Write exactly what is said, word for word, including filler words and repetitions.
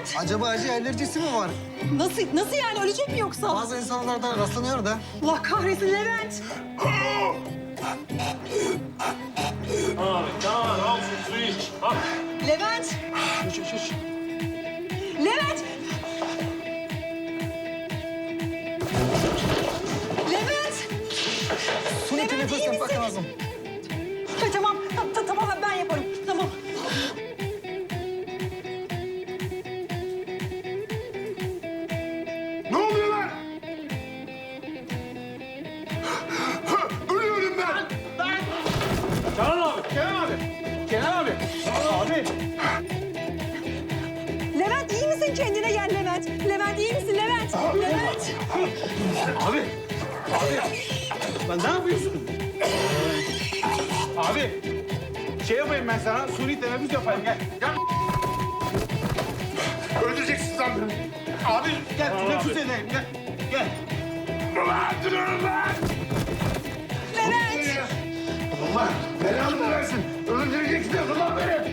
Levent. Acaba acı alerjisi mi var? Nasıl, nasıl yani? Ölecek mi yoksa? Bazı insanlarda rastlanıyor da. Allah kahretsin Levent. Abi tamam al şu suyu iç. Al. Levent. Şş, şş, şş. Levent. Levent. Suni Levent, teneffüs iyi yapmak misin? lazım. Ha, tamam, ta- ta- tamam ben yaparım. Tamam. Ne oluyor lan? Ölüyorum ben. Kenan abi. Kenan abi. Kenan abi. Abi. Levent iyi misin? Kendine gel Levent. Levent iyi misin Levent? Levent. Abi. Abi. Lan ne yapıyorsun? Abi. Şey yapayım ben sana. Suni teneffüs yapayım. Gel. Gel. Öldüreceksiniz lan beni. Abi gel teneffüs edeyim. Gel. Gel. Ulan durun lan. Levent. Allah belanı versin. Öldüreceksiniz ulan beni.